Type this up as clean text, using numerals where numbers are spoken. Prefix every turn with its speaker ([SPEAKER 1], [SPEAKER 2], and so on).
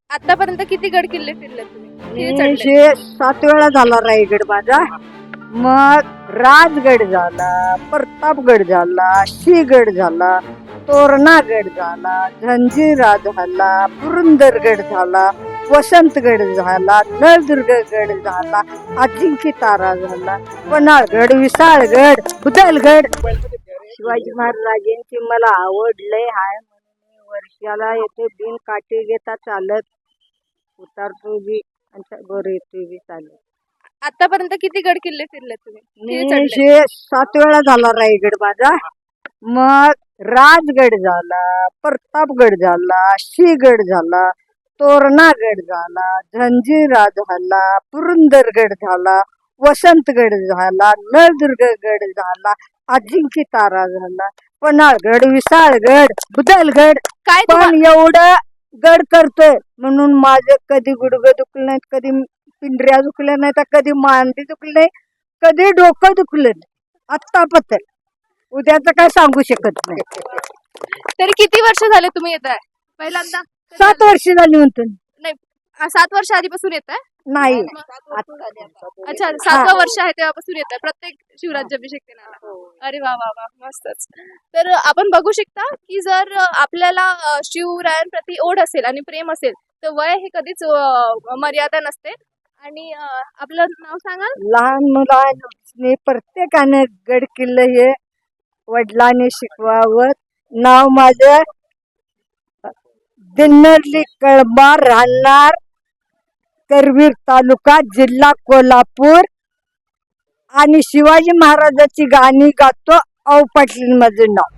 [SPEAKER 1] आतापर्यंत किती गड किल्ले फिरले तुम्ही? किती
[SPEAKER 2] मी
[SPEAKER 1] चढले?
[SPEAKER 2] हे 7 वेळा झाला रायगड माझा. मग राजगड झाला, प्रतापगड झाला, सिंहगड झाला, तोरणागड झाला, जंजिरा झाला, पुरंदरगड झाला, वसंतगड झाला, नळदुर्गगड झाला, अजिंक्यतारा झाला, पन्हाळगड, विशाळगड, बुदलगड. शिवाजी महाराजांची मला आवड लय हाय म्हणून मी वर्षाला येथे बिन काठी घेता चालत उतारतो बी आणि वर येतो बी चालत.
[SPEAKER 1] आतापर्यंत किती गड किल्ले फिरले तुम्ही? किती
[SPEAKER 2] मी
[SPEAKER 1] चढले?
[SPEAKER 2] हे 7 वेळा झाला रायगड माझा. मग राजगड झाला, प्रतापगड झाला, सिंहगड झाला, तोरणागड झाला, जंजिरा झाला, पुरंदरगड झाला, वसंतगड झाला, नळदुर्गगड झाला, अजिंक्यतारा झाला, पन्हाळगड, विशाळगड, बुदलगड.
[SPEAKER 1] काय
[SPEAKER 2] पण एवढं गड करतोय म्हणून माझे कधी गुडघे दुखले नाहीत, कधी पिंढऱ्या दुखल्या नाही, तर कधी मांडी दुखली नाही, कधी डोकं दुखलं नाही. आत्तापत्र उद्याचं काय सांगू शकत नाही.
[SPEAKER 1] तरी किती वर्ष झाले तुम्ही येत आहे? पहिल्यांदा
[SPEAKER 2] 7 वर्ष झाली म्हणतो.
[SPEAKER 1] नाही 7 वर्ष आधीपासून येत आहे?
[SPEAKER 2] नाही
[SPEAKER 1] अच्छा 7वं वर्ष आहे तेव्हापासून येत आहे प्रत्येक शिवराज्याभिषेक दिनाला. अरे वा वा वा मस्तच. तर आपण बघू शकता की जर आपल्याला शिवरायांप्रती ओढ असेल आणि प्रेम असेल तर वय हे कधीच मर्यादा नसते. आणि आपलं नाव सांगाल?
[SPEAKER 2] लहान मुलांनी प्रत्येकाने गड किल्ले हे वडिलांनी शिकवावं. नाव माझं दिन्नरली कळंबा, राहणार करवीर तालुका, जिल्हा कोल्हापूर. आणि शिवाजी महाराजाची गाणी गातो. औ पाटील माझं नाव.